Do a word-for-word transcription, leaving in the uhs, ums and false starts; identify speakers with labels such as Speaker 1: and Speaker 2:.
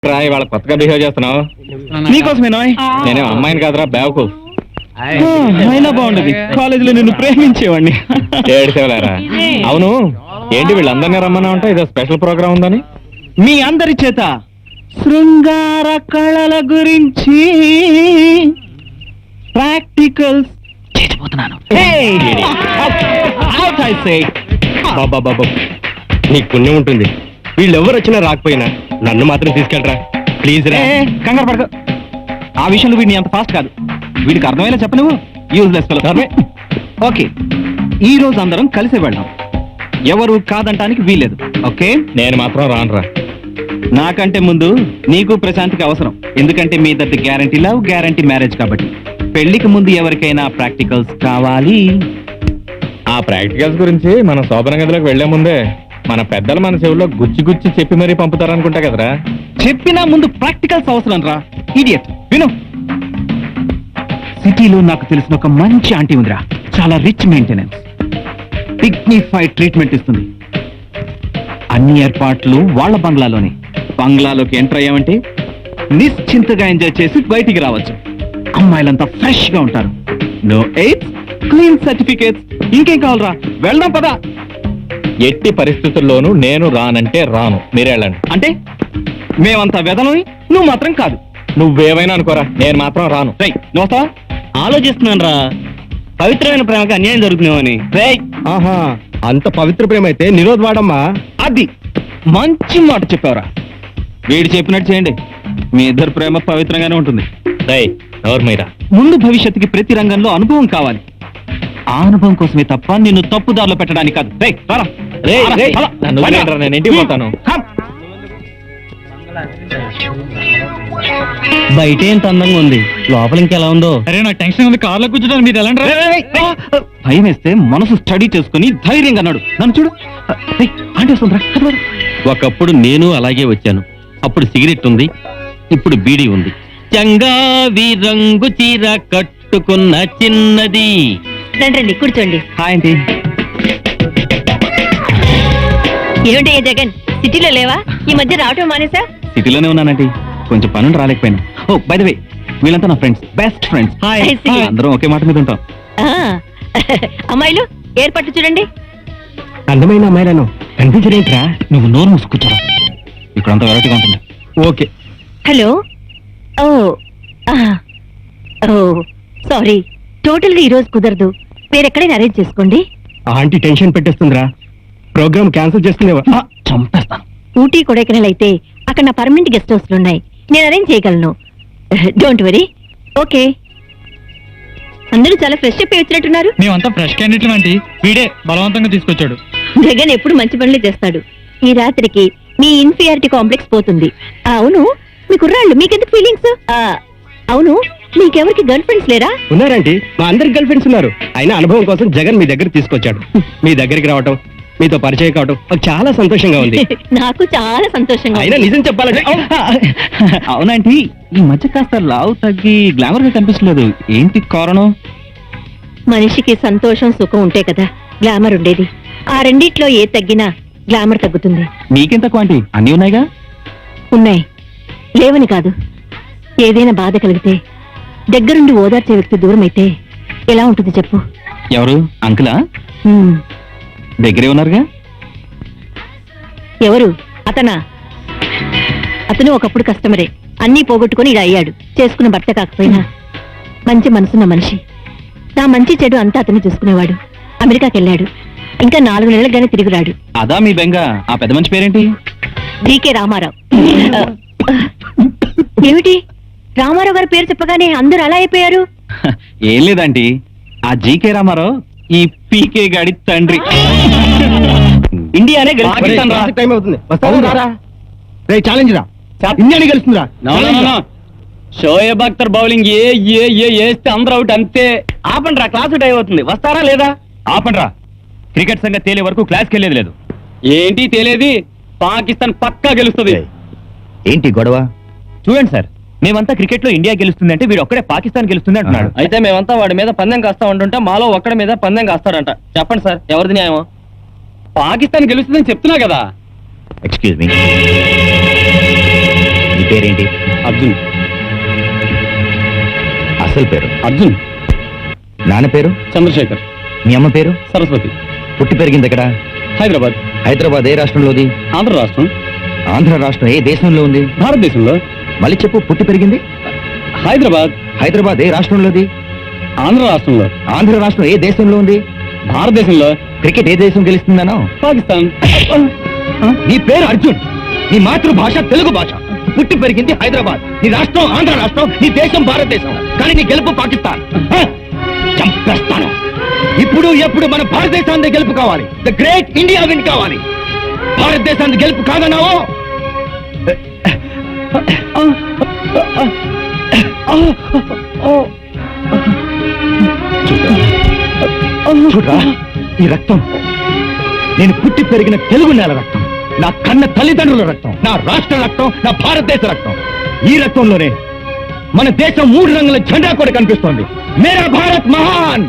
Speaker 1: వాళ్ళ కొత్తగా బిహేవ్ చేస్తున్నావు.
Speaker 2: నీకోసమేనా?
Speaker 1: నేనే అమ్మాయిని కాదురా బ్యావకు.
Speaker 2: అయినా బాగుండదు, కాలేజీలో నిన్ను ప్రేమించేవాడిని.
Speaker 1: ఏడిసేవలేరా. అవును, ఏంటి వీళ్ళందరినీ రమ్మన్నా ఉంటా, ఇదో స్పెషల్ ప్రోగ్రామ్ ఉందని?
Speaker 2: మీ అందరి చేత శృంగార కళల గురించి ప్రాక్టికల్స్ చేసిపోతున్నాను.
Speaker 1: బాబా నీకు పుణ్యం ఉంటుంది. వీళ్ళెవరు వచ్చినా రాకపోయినా నన్ను మాత్రం తీసుకెళ్ళరా ప్లీజ్ రా.
Speaker 2: కంగారు పడక, ఆ విషయంలో వీడిని అంత ఫాస్ట్ కాదు. వీడికి అర్థమయ్యేలా చెప్ప నువ్వు. Useless fellow. ఓకే, ఈ రోజు అందరం కలిసి వెళ్దాం. ఎవరు కాదంటానికి వీల్లేదు. ఓకే,
Speaker 1: నేను మాత్రం రానురా.
Speaker 2: నాకంటే ముందు నీకు ప్రశాంత్కి అవసరం. ఎందుకంటే మీ ఇద్దరి గ్యారంటీ లవ్, గ్యారంటీ మ్యారేజ్ కాబట్టి. పెళ్లికి ముందు ఎవరికైనా ప్రాక్టికల్స్ కావాలి.
Speaker 1: ఆ ప్రాక్టికల్స్ గురించి మనం శోభన గదిలోకి వెళ్లే ముందే మన పెద్దలు మన చెవుల్లో గుచ్చి గుచ్చి చెప్పి మరీ పంపుతారనుకుంటా కదరా.
Speaker 2: చెప్పినా ముందు ప్రాక్టికల్స్ అవసరం రా. ఇడియట్, విను. సిటీలో నాకు తెలిసిన ఒక మంచి ఆంటీ ఉందిరా. చాలా రిచ్ మెయింటెనెన్స్, డిగ్నిఫైడ్ ట్రీట్మెంట్ ఇస్తుంది. అన్ని ఏర్పాట్లు వాళ్ళ బంగ్లాలోనే. బంగ్లాలోకి ఎంటర్ అయ్యామంటే నిశ్చింతగా ఎంజాయ్ చేసి బయటికి రావచ్చు. అమ్మాయిలంతా ఫ్రెష్ గా ఉంటారు. No AIDS, clean certificates. ఇంకేం కావాలరా? వెళ్దాం పదా.
Speaker 1: ఎట్టి పరిస్థితుల్లోనూ నేను రానంటే రాను, మీరెళ్ళండి.
Speaker 2: అంటే మేమంతా వెదలని, నువ్వు మాత్రం కాదు.
Speaker 1: నువ్వేమైనా అనుకోరా, నేను మాత్రం రాను.
Speaker 2: రై, నువ్వు వస్తావా?
Speaker 3: ఆలోచిస్తున్నాను రా, పవిత్రమైన ప్రేమకి అన్యాయం జరుగుతున్నామని.
Speaker 2: రేయ్,
Speaker 1: ఆహా, అంత పవిత్ర ప్రేమ అయితే నిరోధ్ వాడమ్మా.
Speaker 2: అది మంచి మాట చెప్పావురా. వీడు చెప్పినట్టు చేయండి, మీ ఇద్దరు ప్రేమ పవిత్రంగానే ఉంటుంది.
Speaker 1: రై, ఎవరు మీరా?
Speaker 2: ముందు భవిష్యత్తుకి ప్రతి రంగంలో అనుభవం కావాలి. ఆ అనుభవం కోసమే తప్ప నిన్ను తప్పుదారిలో పెట్టడానికి కాదు. రేయ్, రారా.
Speaker 1: రేయ్,
Speaker 2: రారా,
Speaker 1: రేయ్,
Speaker 2: రారా.
Speaker 1: నన్ను వదిలేయండిరా, నేను ఇంటికి పోతాను.
Speaker 2: కమ్.
Speaker 3: బయట ఎంత అందంగా ఉంది, లోపల ఇంకెలా ఉందో.
Speaker 2: అరే నాకు టెన్షన్ ఉంది, కార్లో కూర్చోడానికి మీరు ఎలా? భయం వేస్తే మనసు స్టడీ చేసుకుని ధైర్యంగా అన్నాడు. నన్ను చూడు. అంటే వస్తుందిరా.
Speaker 3: ఒకప్పుడు నేను అలాగే వచ్చాను. అప్పుడు సిగరెట్ ఉంది, ఇప్పుడు బీడీ ఉంది. చంగావి రంగు చీర కట్టుకున్న చిన్నది.
Speaker 4: రండి కూర్చోండి.
Speaker 2: Hi aunty.
Speaker 4: ఏమిటి జగన్, సిటీలో లేవా? ఈ మధ్య రావటం మానేసా?
Speaker 2: సిటీలోనే ఉన్నానంటీ, కొంచెం పనులు రాలేకపోయాను. ఓ బై ద వే, వీళ్ళంతా నా friends, best friends.
Speaker 4: I see.
Speaker 2: అందరం ఒకే మాట మీద ఉంటాం.
Speaker 4: ఆ, అమ్మాయిలు ఏర్పాటు చూడండి.
Speaker 2: అందమైన అమ్మాయిలను కనిపించరేంట్రా? నువ్వు నోరు మూసుకుంటారా? ఇక్కడంతా వెరైటీగా ఉంటుంది. ఓకే.
Speaker 4: హలో. ఓ ఆ, ఓ సారీ, టోటల్ గా ఈ రోజు కుదరదు. వేరెక్కడైనా అరేంజ్ చేసుకోండి.
Speaker 2: ఆంటీ టెన్షన్ పెట్టేస్తుందిరా, ప్రోగ్రామ్ క్యాన్సిల్ చేస్తుందేవా? చంపేస్తాను.
Speaker 4: ఊటీ కొడైకెనాల్ అయితే అక్కడ నా పర్మనెంట్ గెస్ట్ హౌస్లు ఉన్నాయి, నేను అరేంజ్ చేయగలను. Don't worry. ఓకే. అందరూ చాలా ఫ్రెష్ అప్ వచ్చినట్టున్నారు.
Speaker 2: మేమంతా ఫ్రెష్ క్యాండిడేట్లు అంటే వీడే బలవంతంగా తీసుకొచ్చాడు.
Speaker 4: జగన్ ఎప్పుడు మంచి పనులే చేస్తాడు. ఈ రాత్రికి మీ ఇన్ఫీరియారిటీ కాంప్లెక్స్ పోతుంది. ఆ, అవును, మీ కుర్రాళ్ళు మీకెందుకు ఫీలింగ్స్? అవును, మీకెవరికి గర్ల్ ఫ్రెండ్స్ లేరా?
Speaker 2: ఉన్నారండి, మా అందరికి గర్ల్ ఫ్రెండ్స్ ఉన్నారు. అయినా అనుభవం కోసం జగన్ మీ దగ్గర తీసుకొచ్చాడు. మీ దగ్గరికి రావటం, మీతో పరిచయం కావటం నాకు చాలా సంతోషంగా ఉంది.
Speaker 4: నాకు చాలా సంతోషంగా.
Speaker 2: అయినా నిజం చెప్పాలంటే అవునంటే ఈ మధ్య కాస్త లావు తగ్గి గ్లామర్ గా కనిపిస్తలేదు. ఏంటి కారణం?
Speaker 4: మనిషికి సంతోషం సుఖం ఉంటే కదా గ్లామర్ ఉండేది. ఆ రెండిట్లో ఏ తగ్గినా గ్లామర్ తగ్గుతుంది.
Speaker 2: నీకెంత క్వాంటి అన్నీ ఉన్నాయిగా?
Speaker 4: ఉన్నాయి, లేవని కాదు. ఏదైనా బాధ కలిగితే దగ్గరుండి ఓదార్చే వ్యక్తి దూరం అయితే ఎలా ఉంటుంది చెప్పు?
Speaker 2: ఎవరు? అంకులా?
Speaker 4: హ్మ్.
Speaker 2: దగ్గరే ఉన్నారుగా.
Speaker 4: ఎవరు? అతనా? అతను ఒకప్పుడు కస్టమరే, అన్నీ పోగొట్టుకుని ఇలా అయ్యాడు. చేసుకున్న భర్త కాకపోయినా మంచి మనసున్న మనిషి. నా మంచి చెడు అంతా అతను చూసుకునేవాడు. అమెరికాకి వెళ్ళాడు, ఇంకా నాలుగు నెలలుగానే తిరిగి రాడు.
Speaker 2: అదా మీ బెంగ? ఆ పెద్ద మంచి పేరేంటి?
Speaker 4: డీకే రామారావు. ఏమిటి రామారావు గారి పేరు చెప్పగానే అందరూ అలా అయిపోయారు?
Speaker 2: ఏం లేదండి, ఆ జీకే రామారావు ఈ పీకే గాడి తండ్రి. ఇండియానే ఇండియానే గెలుస్తుందిరా.
Speaker 3: షోయబ్ అఖ్తర్ బౌలింగ్ ఏ ఏ ఏ వేస్తే అందరూ అవుట్ అంతే. ఆపండి రా, క్లాస్ టైం అవుతుంది. వస్తారా లేదా?
Speaker 2: ఆపండి రా, క్రికెట్ సంగతి తేలే వరకు క్లాస్కి వెళ్ళేది లేదు.
Speaker 3: ఏంటి తేలేది? పాకిస్తాన్ పక్కా గెలుస్తుంది.
Speaker 1: ఏంటి గొడవ?
Speaker 2: చూడండి సార్, మేమంతా క్రికెట్ లో ఇండియా గెలుస్తుంది అంటే వీడు ఒక్కడే పాకిస్తాన్ గెలుస్తుంది అంటున్నాడు.
Speaker 3: అయితే మేమంతా వాడి మీద పందెం కాస్తా ఉంటుంటే మాలో ఒక్కడి మీద పందెం కాస్తారంట. చెప్పండి సార్, ఎవరిది న్యాయం? పాకిస్తాన్ గెలుస్తుందని చెప్తున్నా కదా.
Speaker 1: ఎక్స్క్యూజ్ మీ,
Speaker 2: నీ పేరేంటి?
Speaker 3: అర్జున్.
Speaker 2: అసలు పేరు?
Speaker 3: అర్జున్.
Speaker 2: నాన్న పేరు?
Speaker 3: చంద్రశేఖర్.
Speaker 2: మీ అమ్మ పేరు?
Speaker 3: సరస్వతి.
Speaker 2: పుట్టి పెరిగింది ఎక్కడ?
Speaker 3: హైదరాబాద్.
Speaker 2: హైదరాబాద్ ఏ రాష్ట్రంలోది?
Speaker 3: ఆంధ్ర రాష్ట్రం.
Speaker 2: ఆంధ్ర రాష్ట్రం ఏ దేశంలో ఉంది?
Speaker 3: భారతదేశంలో.
Speaker 2: మళ్ళీ చెప్పు. పుట్టి పెరిగింది?
Speaker 3: హైదరాబాద్.
Speaker 2: హైదరాబాద్ ఏ రాష్ట్రంలోది?
Speaker 3: ఆంధ్ర రాష్ట్రంలో.
Speaker 2: ఆంధ్ర రాష్ట్రం ఏ దేశంలో ఉంది?
Speaker 3: భారతదేశంలో.
Speaker 2: క్రికెట్ ఏ దేశం గెలుస్తుందనో?
Speaker 3: పాకిస్తాన్.
Speaker 2: నీ పేరు అర్జున్, నీ మాతృభాష తెలుగు భాష, పుట్టి పెరిగింది హైదరాబాద్, నీ రాష్ట్రం ఆంధ్ర రాష్ట్రం, నీ దేశం భారతదేశం, కానీ నీ గెలుపు పాకిస్తాన్. హ! చంపేస్తాను. ఇప్పుడు ఎప్పుడు మన భారతదేశాన్ని గెలుపు కావాలి. ద గ్రేట్ ఇండియా విన్ కావాలి. భారతదేశాన్ని గెలుపు కాదన్నావో చూడరా, ఈ రక్తం నేను పుట్టి పెరిగిన తెలుగు నేల రక్తం, నా కన్న తల్లిదండ్రుల రక్తం, నా రాష్ట్ర రక్తం, నా భారతదేశ రక్తం. ఈ రక్తంలోనే మన దేశం మూడు రంగుల జెండా కూడా కనిపిస్తోంది. మేరా భారత్ మహాన్.